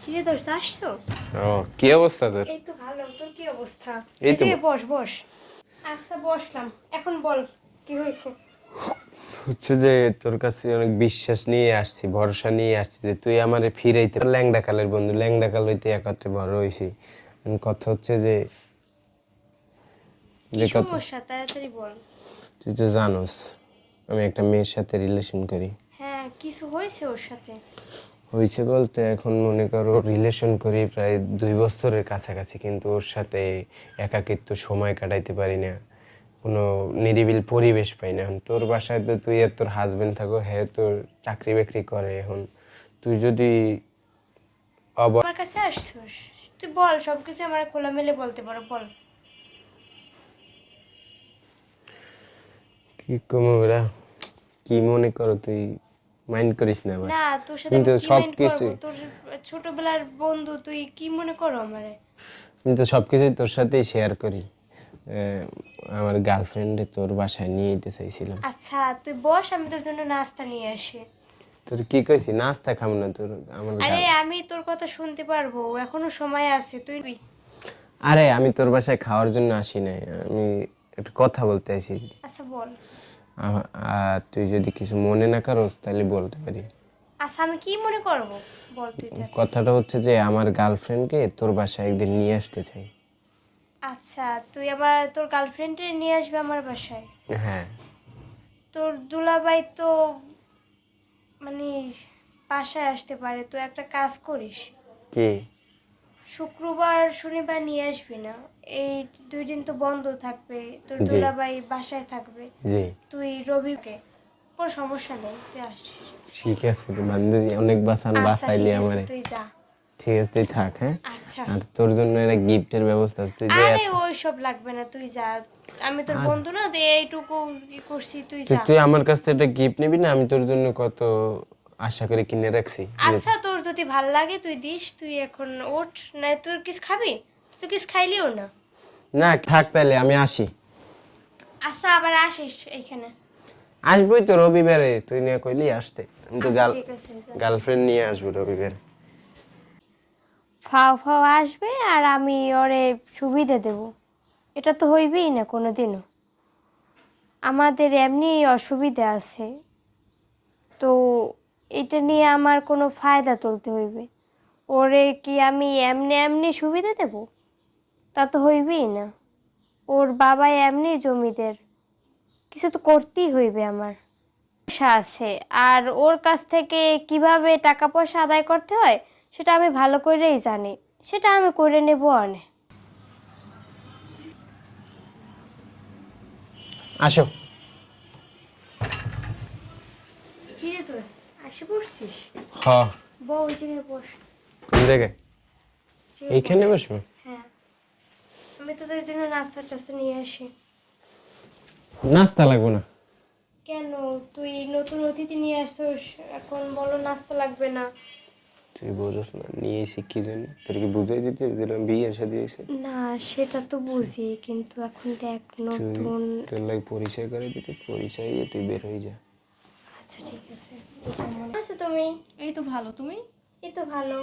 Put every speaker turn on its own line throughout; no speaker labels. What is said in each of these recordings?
কিরে তোর আসছো?
ও কি অবস্থা তোর?
এই তো ভালো, তোর কি অবস্থা?
এই
এই
তো
যে বস বস। আচ্ছা বসলাম, এখন বল কি হয়েছে?
হচ্ছে যে তোর কাছে অনেক বিশ্বাস নিয়ে আসছি, ভরসা নিয়ে আসছি যে তুই আমারে ফিরাইতে ল্যাংডা কালের বন্ধু, ল্যাংডা কাল হইতে একত্রে বড় হইছি। কথা হচ্ছে যে
কি
যে কথা
সমস্যা তাড়াতাড়ি বল।
তুই তো জানোস আমি একটা মেয়ের সাথে রিলেশন করি।
হ্যাঁ, কিছু হয়েছে ওর সাথে?
হয়েছে বলতে এখন মনে করো রিলেশন করি প্রায় 2 বছরের কাছাকাছি, কিন্তু ওর সাথে একাকিত্ব সময় কাটাইতে পারি না, কোনো নিরিবিল পরিবেশ পাই না। এখন তোর বাসায় তো তুই আর তোর হাজবেন্ড থাকো, হ্যাঁ তোর চাকরি বাকরি করে। এখন তুই যদি
আমার কাছে আসছিস, তুই বল, সবকিছু আমার খোলামেলে বলতে পারো, বল।
কি কমো ওরা, কি মনে করো তুই, মাইন্ড করিস না আবার।
না, তোর সাথে আমি
কিন্তু
কি
সব
মাইন্ড করবো?
কিছুই
তোর ছোটবেলার বন্ধু, তুই কি মনে করো আমারে?
কিন্তু সব কিছুই তোর সাথেই শেয়ার করি। আমার গার্লফ্রেন্ডে তোর বাসায় নিয়ে যেতে চাইছিলাম।
আচ্ছা তুই বস, আমি তোর জন্য নাস্তা নিয়ে আসি।
তোর কি কইছি নাস্তা খাম না তোর আমার
আরে
গাল।
আমি তোর কথা শুনতে পারবো, এখনো সময় আছে, তুই।
আরে আমি তোর বাসায় খাওয়ার জন্য আসি নাই, আমি একটা কথা বলতে আইছি।
আচ্ছা বল।
তুই যদি কিছু মনে না করস তাহলে বলতে পারি।
আচ্ছা আমি কি মনে করবো, বল তুই তাহলে।
কথাটা হচ্ছে যে আমার গার্লফ্রেন্ডকে তোর বাসায় একদিন নিয়ে আসতে চাই।
আচ্ছা তুই আবার তোর গার্লফ্রেন্ডে নিয়ে আসবে আমার বাসায়?
হ্যাঁ।
তোর দুলাভাই তো মানে বাসায় আসতে পারে, তো একটা কাজ করিস,
কি?
শুক্রবার শনিবার নিয়ে আসবি না। এই 2 দিন তো বন্ধ থাকবে, তোর
জি
দুলাভাই বাসায় থাকবে।
জি
তুই রবিকে, কোনো সমস্যা নেই, তুই আসিস।
ঠিক আছে রে বান্ধবী, অনেক
আচ্ছা
বাঁচাইলি
ঠিক আছে,
আমারে।
তুই যা।
ঠিক আছে তুই থাক, হ্যাঁ।
আচ্ছা।
আর তোর জন্য একটা গিফটের ব্যবস্থা আছে, তুই যে
আরে
এত
ওই সব লাগবে না, তুই যা। আমি তোর
আর
বন্ধু না, তো এইটুকু করছি, তুই
তুই
যা।
তুই আমার কাছ থেকে একটা গিফট নিবি না? আমি তোর জন্য কত আশা করে কিনে রাখছি।
আচ্ছা তোর যদি ভাল লাগে তুই দিস, তুই এখন ওঠ। না তোর কিছু খাবি? তুই কিছু খাইলিও না।
না থাক তাহলে আমি আসি।
আচ্ছা আবার আসিস এইখানে।
আসবোই তো রবিবারে, তুই নিয়ে কইলি আসতে, আমি তো
আচ্ছা ঠিক আছে, যা।
গার্লফ্রেন্ড নিয়ে আসবো রবিবারে।
ফাও ফাও আসবে আর আমি ওরে সুবিধা দেব, এটা তো হইবেই না কোনোদিনও। আমাদের এমনি অসুবিধা আছে, তো এটা নিয়ে আমার কোনো ফায়দা তুলতে হইবে। ওরে কি আমি এমনি এমনি সুবিধা দেব? তা তো হইবেই না। ওর বাবা এমনি জমিদার, কিছু তো করতেই হইবে আমার। পয়সা আছে, আর ওর কাছ থেকে কিভাবে টাকা পয়সা আদায় করতে হয় সেটা আমি ভালো করেই জানি, সেটা আমি করে নেব অনেক।
আসো।
কি রে তোর, আসে পড়ছিস?
হ।
বউ ওই জায়গায় বস।
কোন জায়গায়?
জায়গায়
এইখানে
বস।
বসবো?
হ্যাঁ, আমি তোদের জন্য নাস্তা টাস্তা নিয়ে আসি।
নাস্তা লাগবে না।
কেন, তুই নতুন অতিথি নিয়ে আসছিস, এখন বলো নাস্তা লাগবে না?
তুই বোঝস না নিয়ে এসে কি জন্য, তোর কি বুঝাই দিতে দিলাম বিয়ে শাদী হয়েছে?
না সেটা তো বুঝি, কিন্তু এখন দেখ
তুই
নতুন।
তোর লাগে পরিচয় করে দিতে, পরিচয় দিয়ে তুই বের হয়ে যা।
আচ্ছা ঠিক আছে। কেমন আছো তুমি?
এই তো ভালো, তুমি?
এই তো ভালো।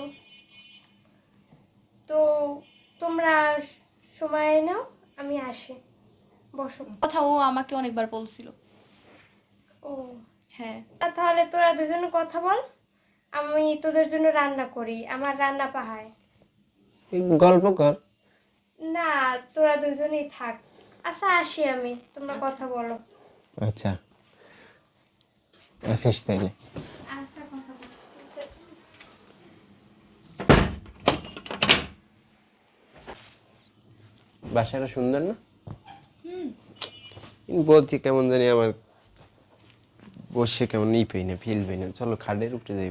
তো তোমরা সময় নাও, আমি আসি, বসো।
কথা ও আমাকে অনেকবার বলছিল।
ও
হ্যাঁ।
তাহলে তোরা দুজনে কথা বল, আমি তোদের জন্য রান্না করি, আমার রান্না পাহায়।
এই গল্প কর।
না, তোরা দুজনেই থাক। আচ্ছা আসি আমি, তোমরা কথা বলো।
আচ্ছা আসিস তাইলে।
আচ্ছা কথা বলো।
বাসাটা সুন্দর না? বলছি কেমন জানি আমার বসে কেমন পাই না, ফিল পাই না। চলো খাটের উপরে যাইব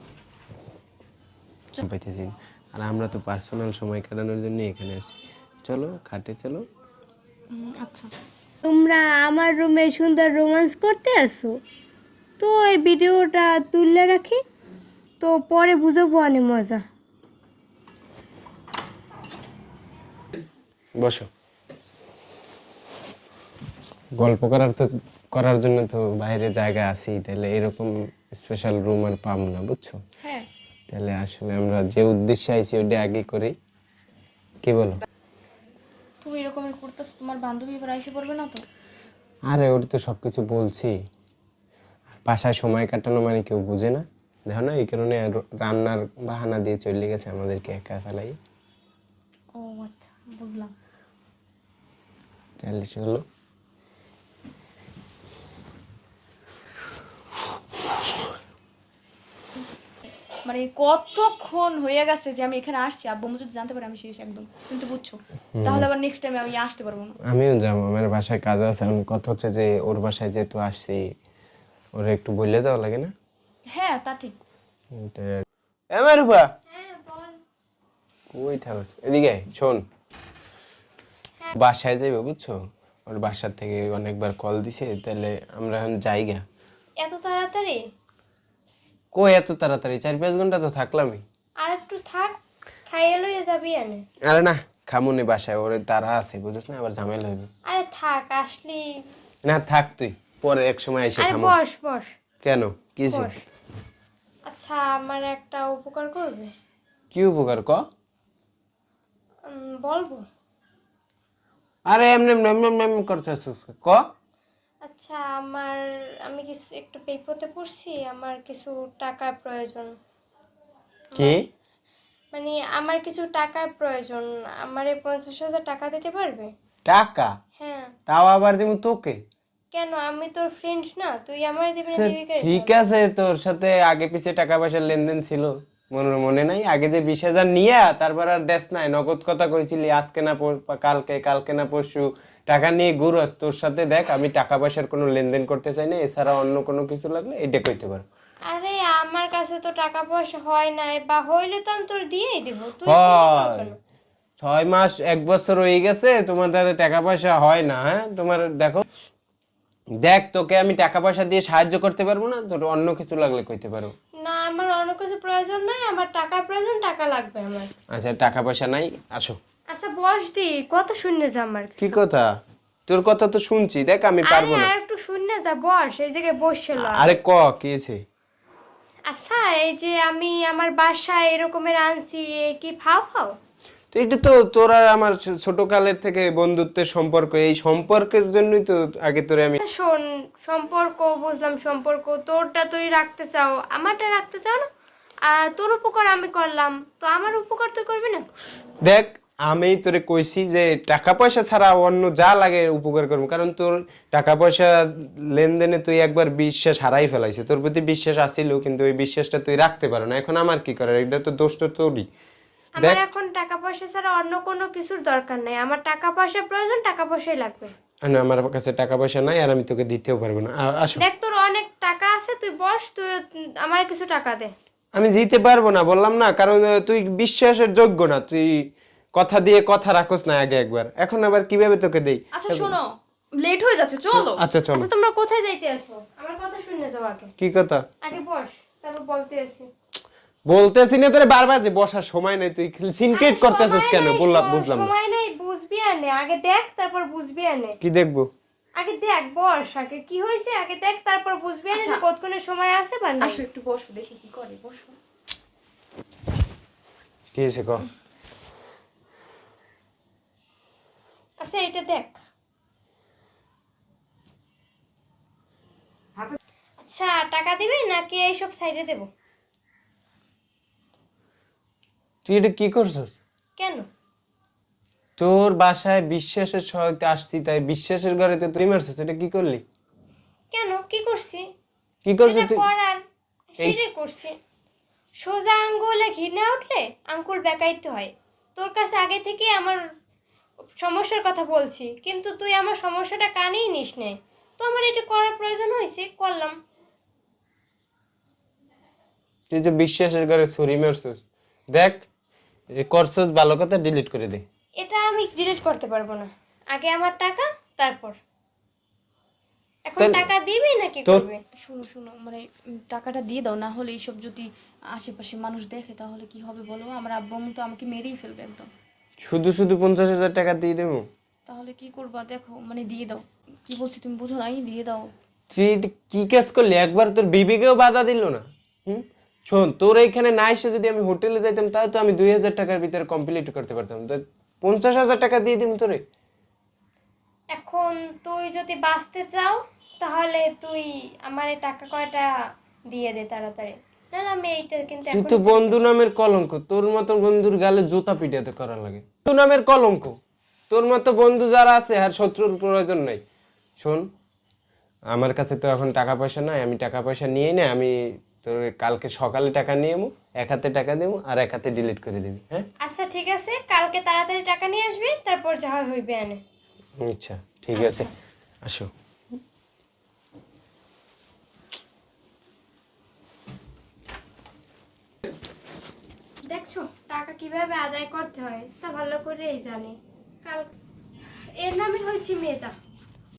পাইতেছি না। আর আমরা তো পার্সোনাল সময় কাটানোর জন্য এখানে আসি। চলো খাটে চলো।
আচ্ছা।
তোমরা আমার রুমে সুন্দর রোমান্স করতে আসো, তো এই ভিডিওটা তুললে রাখি, তো পরে বুঝাবো অনেক মজা।
বসো। গল্প করার জন্য তো বাইরে জায়গা আছেই, তাহলে এরকম স্পেশাল রুম আর পাবো না, বুঝছো?
হ্যাঁ।
তো তাহলে আসলে আমরা যে উদ্দেশ্যে আইছি ওটা আগে করি, কি বলো?
তুমি এরকমের করতেছো, তোমার বান্ধবী এবার এসে পড়বে না তো?
আরে ওর তো সবকিছু বলছি, বাসায় সময় কাটানো মানে কেউ বুঝে না, দেখো না, এই কারণে আর রান্নার বাহানা দিয়ে চলে গেছে আমাদেরকে একা ফেলাই।
ও আচ্ছা, বুঝলাম।
তাহলে চলো।
মানে কতক্ষণ হয়ে গেছে যে আমি এখানে আসছি, আব্বু আম্মু যদি জানতে পারে আমি শেষ একদম, তুমি তো বুঝছো। তাহলে আবার নেক্সট টাইমে আমি আসতে পারবো না।
আমিও যাবো, আমার বাসায় কাজ আছে। আমি কথা হচ্ছে যে ওর বাসায় যেহেতু আসছি, ওরা একটু বললে যাওয়া লাগে না?
হ্যাঁ তা ঠিক।
আমার রূপা কই থাকস, এদিকে আয়, শোন। বাসায় যাইবো বুঝছো, ওর বাসার থেকে অনেকবার কল দিছে, তাহলে আমরা এখন যাইগা।
এত তাড়াতাড়ি?
কই এত তাড়াতাড়ি, 4-5 ঘন্টা তো থাকলামই।
আর একটু থাক, খাইয়ে লইয়া যাবি এনে।
আরে না, খামুনি বাসায়, ওর তারা আছে বুঝছ না, আবার ঝামেলা হইবে।
আরে থাক, আসলি।
না থাক তুই, পরে এক সময় এসে
আরে
খামু।
বস বস
কেন, কি হইছে?
বস। আচ্ছা, আমার একটা উপকার করবে?
কি উপকার ক?
বলবো?
আরে এমনি এমনি এমনি এমনি এমনি করতেছিস ক।
আচ্ছা, আমি কিছু একটু বিপদে পড়ছি, আমার কিছু টাকার প্রয়োজন।
কি?
মানে আমার কিছু টাকার প্রয়োজন, আমারে 50,000 টাকা দিতে পারবে?
টাকা?
হ্যাঁ।
তাও আবার দিমু তোকে?
কেন, আমি তোর ফ্রেন্ড না? তুই আমারে দিবি না,
তো
দিবি কে?
ঠিক আছে, তোর সাথে আগে পিছে টাকা পয়সার লেনদেন ছিল, মনে নাই? আগে যে 20,000 নিয়ে তারপর আর দেশ নাই, নগদ কথা কইছিলি, আজকে না কালকে, কালকে না পরশু টাকা নিয়ে ঘুরস। তোর সাথে দেখ, আমি টাকা পয়সার কোনো লেনদেন করতে চাই না, এছাড়া অন্য কোনো কিছু লাগলে এটা কইতে পারো।
আরে আমার কাছে তো টাকা পয়সা হয় নাই, বা হইলে তো আমি তোর দিয়েই দিব, তুই চিন্তা কর
হয়,
কেন?
6 মাস 1 বছর হয়ে গেছে, তোমার দ্বারা টাকা পয়সা হয় না? হ্যাঁ, তোমার দেখো, দেখ, তোকে আমি টাকা পয়সা দিয়ে সাহায্য করতে পারবো না, তোর অন্য কিছু লাগলে কইতে পারো।
না, আমার অন্য কিছু প্রয়োজন নাই, আমার টাকা প্রয়োজন, টাকা লাগবে আমার।
আচ্ছা, টাকা পয়সা নাই, আসো।
আচ্ছা বস দি, কত শূন্য যা আমার।
কি কথা? তোর কথা তো শুনছি, দেখ আমি
আরে
পারবো না।
আর একটু শূন্য যা, বস এই জায়গায় বসছিল।
আরে ক, কি হয়েছে?
আচ্ছা, এই যে আমি আমার বাসায় এরকমের আনছি, এ কি ফাও ফাও?
তো এটা তো তোরা আমার ছোট কালের থেকে বন্ধুত্বের সম্পর্ক, এই সম্পর্কের জন্যই তো আগে তোরে আমি।
আচ্ছা, শোন, সম্পর্ক বুঝলাম, সম্পর্ক তোরটা তুই রাখতে চাও, আমারটা রাখতে চাও না। আর তোর উপকার আমি করলাম, তো আমার উপকার তুই করবি না?
দেখ, আমি তোরে কইছি যে টাকা পয়সা ছাড়া অন্য যা লাগে উপকার করবো, কারণ তোর টাকা পয়সা লেনদেনে তুই একবার বিশ্বাস হারাই ফেলাইছে, তোর প্রতি বিশ্বাস আছিল, কিন্তু ওই বিশ্বাসটা তুই রাখতে পারো না। এখন আমার কি করার, এটা তো দোষ তো তোরই।
আমার এখন টাকা পয়সা ছাড়া অন্য কোনো কিছুর দরকার নাই, আমার টাকা পয়সা প্রয়োজন, টাকা পয়সাই লাগবে।
না, আমার কাছে টাকা পয়সা নাই, আর আমি তোকে দিতেও পারবো না। আসো।
দেখ, তোর অনেক টাকা আছে, তুই বস, তুই আমার কিছু টাকা দে।
আমি দিতে পারবো না, বললাম না, কারণ তুই বিশ্বাসের যোগ্য না, তুই কথা দিয়ে কথা রাখোস না আগে একবার, এখন আবার কিভাবে তোকে দেই?
আচ্ছা শোনো, লেট হয়ে যাচ্ছে, চলো।
আচ্ছা চলো।
আচ্ছা, তোমরা কোথায় যাইতে আছো? আমার কথা শুনে যাও আগে।
কি কথা?
আগে বস, তারপর বলতে আছি।
বলতেছি না তোরে বারবার, যে বসার সময় নাই, তুই সিনক্রেট করতেছিস কেন? বললাম, বুঝলাম না।
সময় নাই, বুঝবি আর নে, আগে দেখ তারপর বুঝবি আর নে।
কি দেখবো?
আগে দেখ, বস, আগে কি হয়েছে আগে দেখ, তারপর বুঝবি আর নে যে
আচ্ছা।
কতক্ষণের সময় আছে বা নাই।
আসো একটু বসো, দেখি কি করে, বসো।
কি হয়েছে ক?
আচ্ছা, এটা দেখ। আচ্ছা, টাকা দিবি নাকি এইসব সাইডে দেব?
তুই এটা কি করছিস?
কেন?
তোর বাসায় বিশ্বাসের সহিত আসছি, তাই বিশ্বাসের ঘরে তো তুই মারছিস, এটা কি করলি?
কেন, কি করছি?
কি করছিস
যেটা
তুই?
করার সেটাই করছি। সোজা আঙ্গুলে ঘি না উঠলে আঙ্গুল বেঁকাইতে হয়। তোর কাছে আগে থেকে আমার সমস্যার কথা বলছি, কিন্তু তুই আমার সমস্যাটা কানেই নিস নে। তো আমার এটা করার প্রয়োজন হয়েছে, করলাম।
তুই তো বিশ্বাসের ঘরে ছুরি মারছিস, দেখ, করছিস ভালো কথা, ডিলিট করে দে।
এটা আমি ডিলিট করতে পারবো না, আগে আমার টাকা, তারপর। এখন
তাহলে-
টাকা দিবি নাকি
তোর-
করবে?
শোনো শোনো, মানে টাকাটা দিয়ে দাও, না হলে এইসব যদি আশেপাশে মানুষ দেখে তাহলে কি হবে বলো? আমার আব্বু আম্মু তো আমাকে মেরেই ফেলবে একদম।
শুধু শুধু 50,000 টাকা দিয়ে দেবো?
তাহলে কি করবা দেখো, মানে দিয়ে দাও। কি বলছি তুমি বুঝো নাই, দিয়ে দাও।
তুই এটা কি কাজ করলি? একবার তোর বিবেকেও বাধা দিল না? শোন, তোর এইখানে না এসে যদি আমি হোটেলে যাইতাম তাহলে তো আমি 2,000 টাকার ভিতরে কমপ্লিট করতে পারতাম। তো 50,000 টাকা দিয়ে দিম তোরে।
এখন তুই যদি বাঁচতে চাও তাহলে তুই আমার এই টাকা কয়টা দিয়ে দে তাড়াতাড়ি, নাহলে আমি এইটা কিন্তু
তুই
এখন
তো বন্ধু নামের কলঙ্ক, তোর মতো বন্ধুর গালে জুতা পিটাতে করা লাগে। বন্ধু নামের কলঙ্ক, তোর মতো বন্ধু যারা আছে আর শত্রুর প্রয়োজন নাই। শোন, আমার কাছে তো এখন টাকা পয়সা নাই, আমি টাকা পয়সা নিয়ে না, আমি তোর কালকে সকালে টাকা নিয়ে নেবো, এক হাতে টাকা দেবো আর এক হাতে ডিলিট করে দিবি, হ্যাঁ?
আচ্ছা ঠিক আছে, কালকে তাড়াতাড়ি টাকা নিয়ে আসবি, তারপর যা হইবে আনে।
আচ্ছা ঠিক আছে, আসো।
দেখছো টাকা কিভাবে আদায় করতে হয় তা ভালো করেই জানি। কাল এর নামই হয়েছে মেধা।